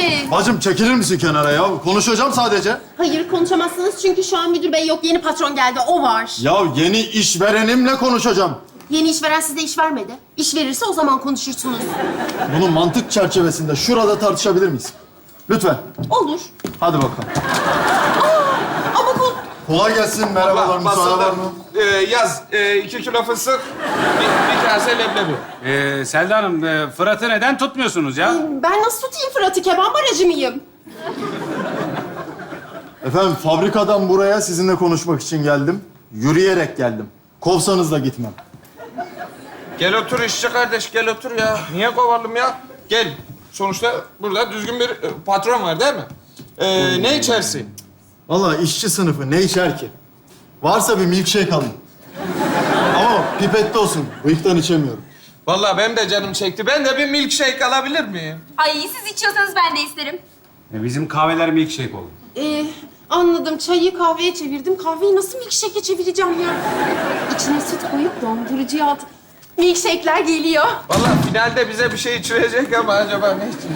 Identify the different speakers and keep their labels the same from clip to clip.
Speaker 1: misiniz?
Speaker 2: Bacım çekilir misin kenara ya? Konuşacağım sadece.
Speaker 1: Hayır konuşamazsınız çünkü şu an müdür bey yok. Yeni patron geldi, o var.
Speaker 2: Ya yeni işverenimle konuşacağım.
Speaker 1: Yeni işveren size iş vermedi. İş verirse o zaman konuşursunuz.
Speaker 2: Bunu mantık çerçevesinde şurada tartışabilir miyiz? Lütfen.
Speaker 1: Olur.
Speaker 2: Hadi bakalım.
Speaker 1: Ama
Speaker 2: Kolay gelsin. Merhabalar. Müsaade var mı?
Speaker 3: Yaz 2 kilo fıstık, bir kase leblebi.
Speaker 4: Selda Hanım, Fırat'ı neden tutmuyorsunuz ya?
Speaker 1: ben nasıl tutayım Fırat'ı? Keban barajı mıyım?
Speaker 2: Efendim fabrikadan buraya sizinle konuşmak için geldim. Yürüyerek geldim. Kovsanız da gitmem.
Speaker 3: Gel otur işçi kardeş, gel otur ya. Niye kovalım ya? Gel. Sonuçta burada düzgün bir patron var değil mi? Ne içersin?
Speaker 2: Vallahi işçi sınıfı ne içer ki? Varsa bir milkshake alın. Ama pipette olsun. Bıyıktan içemiyorum.
Speaker 3: Vallahi benim de canım çekti. Ben de bir milkshake alabilir miyim?
Speaker 5: Ay siz içiyorsanız ben de isterim.
Speaker 4: Bizim kahveler milkshake oldu.
Speaker 1: Anladım. Çayı kahveye çevirdim. Kahveyi nasıl milkshake'e çevireceğim ya? İçine süt koyup dondurucuya at. Milkshake'ler geliyor.
Speaker 3: Vallahi finalde bize bir şey içirecek ama acaba ne içecek?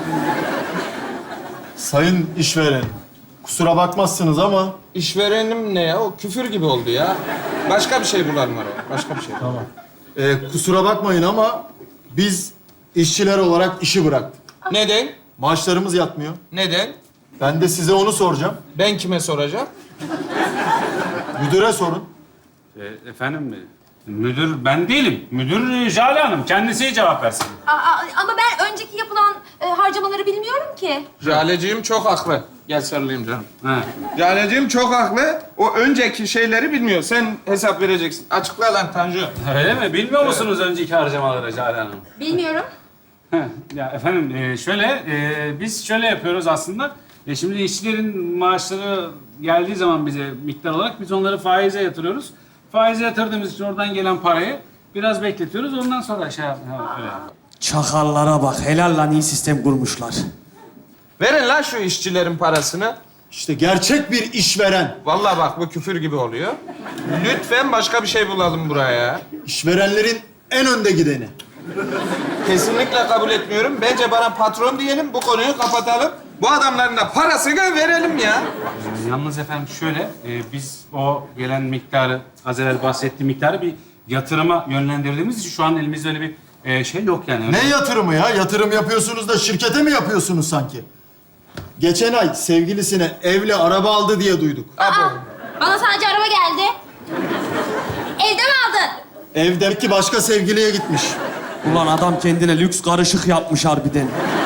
Speaker 2: Sayın işveren, kusura bakmazsınız ama...
Speaker 3: İşverenim ne ya? O küfür gibi oldu ya. Başka bir şey bulalım araya. Başka bir şey.
Speaker 2: Tamam. Kusura bakmayın ama biz işçiler olarak işi bıraktık.
Speaker 3: Neden?
Speaker 2: Maaşlarımız yatmıyor.
Speaker 3: Neden?
Speaker 2: Ben de size onu soracağım.
Speaker 3: Ben kime soracağım?
Speaker 2: Müdüre sorun.
Speaker 4: Efendim, müdür ben değilim. Müdür Jale Hanım. Kendisi cevap versin.
Speaker 5: Ama ben önceki yapılan harcamaları bilmiyorum ki.
Speaker 3: Jaleciğim çok haklı. Gel sarılayım canım.
Speaker 4: Ha.
Speaker 3: Jaleciğim çok haklı. O önceki şeyleri bilmiyor. Sen hesap vereceksin. Açıkla lan Tanju.
Speaker 4: Öyle mi? Bilmiyor musunuz önceki harcamaları Jale Hanım?
Speaker 5: Bilmiyorum.
Speaker 4: Heh, ya efendim şöyle, biz şöyle yapıyoruz aslında. Şimdi işçilerin maaşları geldiği zaman bize miktar olarak biz onları faize yatırıyoruz. Faize yatırdığımız için oradan gelen parayı biraz bekletiyoruz. Ondan sonra öyle.
Speaker 6: Çakallara bak. Helal lan iyi sistem kurmuşlar.
Speaker 3: Verin lan şu işçilerin parasını.
Speaker 2: İşte gerçek bir işveren.
Speaker 3: Vallahi bak bu küfür gibi oluyor. Lütfen başka bir şey bulalım buraya.
Speaker 2: İşverenlerin en önde gideni.
Speaker 3: Kesinlikle kabul etmiyorum. Bence bana patron diyelim, bu konuyu kapatalım. Bu adamların da parasını verelim ya.
Speaker 4: Yalnız efendim şöyle, biz o gelen miktarı, az evvel bahsettiğim miktarı bir yatırıma yönlendirdiğimiz için şu an elimizde öyle bir şey yok yani.
Speaker 2: Ne yatırımı ya? Yatırım yapıyorsunuz da şirkete mi yapıyorsunuz sanki? Geçen ay sevgilisine evle araba aldı diye duyduk.
Speaker 5: Bana sadece araba geldi. Evde mi aldın?
Speaker 2: Evdeki başka sevgiliye gitmiş.
Speaker 6: Ulan adam kendine lüks karışık yapmış harbiden.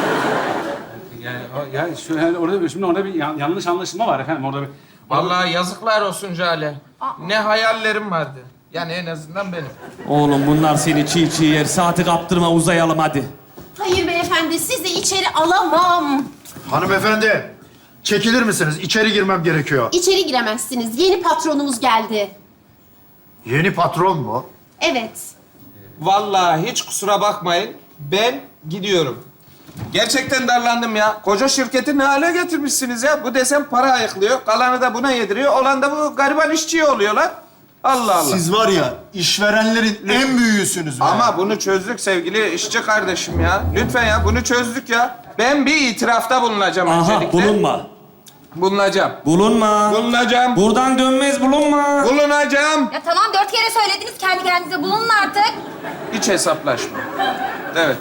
Speaker 4: Orada bir yanlış anlaşılma var efendim. Orada bir...
Speaker 3: Vallahi yazıklar olsun Jale. Ne hayallerim vardı. Yani en azından benim.
Speaker 6: Oğlum bunlar seni çiğ çiğ yer. Saati kaptırma uzayalım hadi.
Speaker 1: Hayır beyefendi, sizi içeri alamam.
Speaker 7: Hanımefendi, çekilir misiniz? İçeri girmem gerekiyor.
Speaker 1: İçeri giremezsiniz. Yeni patronumuz geldi.
Speaker 7: Yeni patron mu?
Speaker 1: Evet.
Speaker 3: Vallahi hiç kusura bakmayın. Ben gidiyorum. Gerçekten darlandım ya. Koca şirketi ne hale getirmişsiniz ya? Bu desem para ayıklıyor. Kalanı da buna yediriyor. Olan da bu gariban işçiye oluyor lan. Allah Allah.
Speaker 2: Siz var ya işverenlerin en büyüğüsünüz be.
Speaker 3: Ama bunu çözdük sevgili işçi kardeşim ya. Lütfen ya bunu çözdük ya. Ben bir itirafta bulunacağım
Speaker 6: Aha
Speaker 3: öncelikle.
Speaker 6: bulunma.
Speaker 3: Bulunacağım.
Speaker 6: Bulunma.
Speaker 3: Bulunacağım.
Speaker 6: Buradan dönmez bulunma.
Speaker 3: Bulunacağım.
Speaker 5: Ya tamam 4 kere söylediniz kendi kendinize bulunun artık.
Speaker 3: Hiç hesaplaşma. Evet.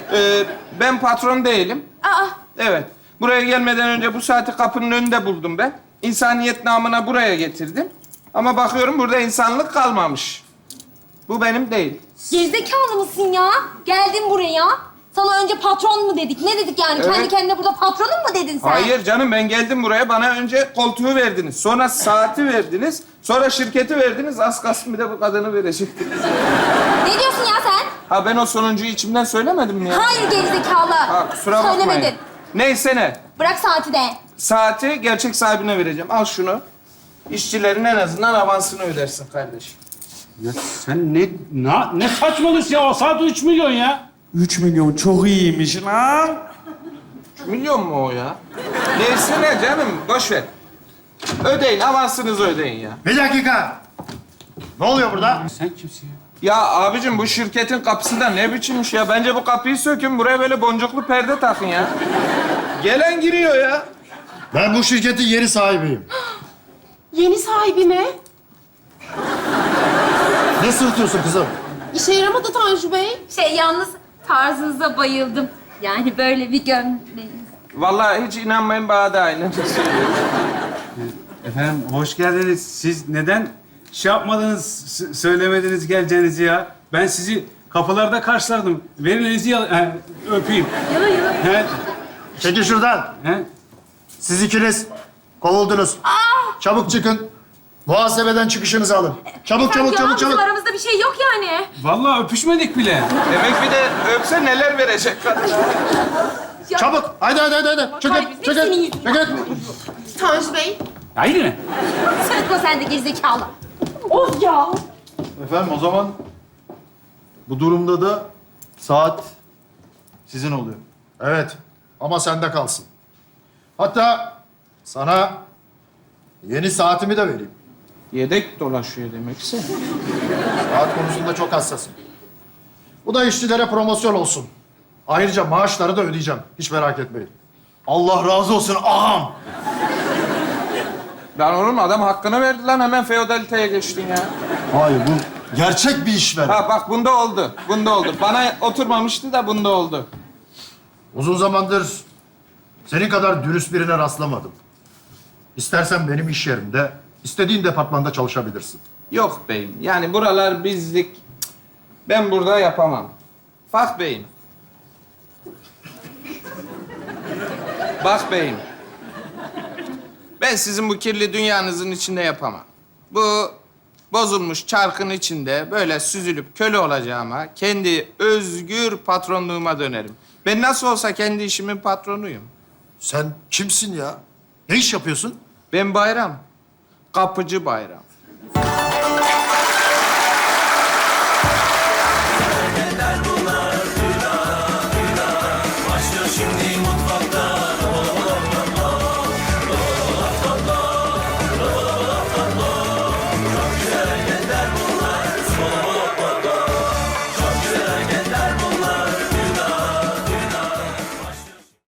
Speaker 3: Ben patron değilim. Evet. Buraya gelmeden önce bu saati kapının önünde buldum ben. İnsaniyet namına buraya getirdim. Ama bakıyorum burada insanlık kalmamış. Bu benim değil.
Speaker 5: Gerizekalı mısın ya? Geldin buraya. Sana önce patron mu dedik? Ne dedik yani?
Speaker 3: Evet.
Speaker 5: Kendi kendine burada patronum mu dedin sen?
Speaker 3: Hayır canım ben geldim buraya. Bana önce koltuğu verdiniz. Sonra saati verdiniz. Sonra şirketi verdiniz. Az kalsın bir de bu kadını verecektiniz.
Speaker 5: Ne diyorsun ya sen?
Speaker 3: Ha ben o sonuncuyu içimden söylemedim mi ya?
Speaker 5: Hayır gerizekalı.
Speaker 3: Ha kusura bakmayın.
Speaker 5: Söylemedin.
Speaker 3: Neyse ne.
Speaker 5: Bırak saati de.
Speaker 3: Saati gerçek sahibine vereceğim. Al şunu. İşçilerin en azından avansını ödersin kardeşim.
Speaker 4: Ya sen ne saçmalıyorsun ya? O saat 3 milyon ya.
Speaker 6: 3 milyon çok iyiymiş lan.
Speaker 3: 3 milyon mu o ya? Neyse ne canım, boş ver. Ödeyin, avansınızı ödeyin ya.
Speaker 7: Bir dakika. Ne oluyor burada?
Speaker 4: Sen kimsin ya?
Speaker 3: Ya abicim bu şirketin kapısı da ne biçimmiş ya? Bence bu kapıyı sökün, buraya böyle boncuklu perde takın ya. Gelen giriyor ya.
Speaker 7: Ben bu şirketin yeni sahibiyim.
Speaker 1: Yeni sahibi mi?
Speaker 7: Ne sırıtıyorsun kızım?
Speaker 1: İşe yaramadı Tanju Bey.
Speaker 5: Yalnız tarzınıza bayıldım. Yani böyle bir gömleğiniz.
Speaker 3: Vallahi hiç inanmayın bana da aynı.
Speaker 4: Efendim hoş geldiniz. Siz neden şey yapmadınız, söylemediniz geleceğinizi ya? Ben sizi kapılarda karşılardım. Verin elinizi öpeyim.
Speaker 5: Yala yala.
Speaker 4: He,
Speaker 7: Çekil şuradan.
Speaker 4: he.
Speaker 7: Siz ikiniz kovuldunuz. Çabuk çıkın. Muhasebeden çıkışınızı alın. Çabuk, çabuk, çabuk,
Speaker 5: Bizim
Speaker 7: çabuk.
Speaker 5: aramızda bir şey yok yani.
Speaker 4: Vallahi öpüşmedik bile.
Speaker 3: Demek bir de öpse neler verecek kadın.
Speaker 7: Çabuk. Haydi, haydi, haydi, haydi. Çıkın,
Speaker 5: Kaybetmek
Speaker 7: çıkın,
Speaker 5: senin yüzünden.
Speaker 7: çıkın.
Speaker 1: Tanju Bey.
Speaker 4: Haydi mi?
Speaker 5: Sırıtma sen de gerizekalı.
Speaker 1: Of ya.
Speaker 2: Efendim o zaman bu durumda da saat sizin oluyor.
Speaker 7: Evet, ama sende kalsın. Hatta sana yeni saatimi de vereyim.
Speaker 3: Yedek dolaşıyor demekse.
Speaker 7: Saat konusunda çok hassasım. Bu da işçilere promosyon olsun. Ayrıca maaşları da ödeyeceğim. Hiç merak etmeyin.
Speaker 2: Allah razı olsun ağam.
Speaker 3: Lan oğlum adam hakkını verdi lan hemen feodaliteye geçtin ya.
Speaker 2: Hayır bu gerçek bir işveren.
Speaker 3: Ha bak bunda oldu. Bunda oldu. Bana oturmamıştı da bunda oldu.
Speaker 7: Uzun zamandır senin kadar dürüst birine rastlamadım. İstersen benim iş yerimde, istediğin departmanda çalışabilirsin.
Speaker 3: Yok beyim. Yani buralar bizlik. Cık, ben burada yapamam. Bak beyim. Bak beyim. Ben sizin bu kirli dünyanızın içinde yapamam. Bu bozulmuş çarkın içinde böyle süzülüp köle olacağıma kendi özgür patronluğuma dönerim. Ben nasıl olsa kendi işimin patronuyum.
Speaker 7: Sen kimsin ya? Ne iş yapıyorsun?
Speaker 3: Ben Bayram. Kapıcı Bayram.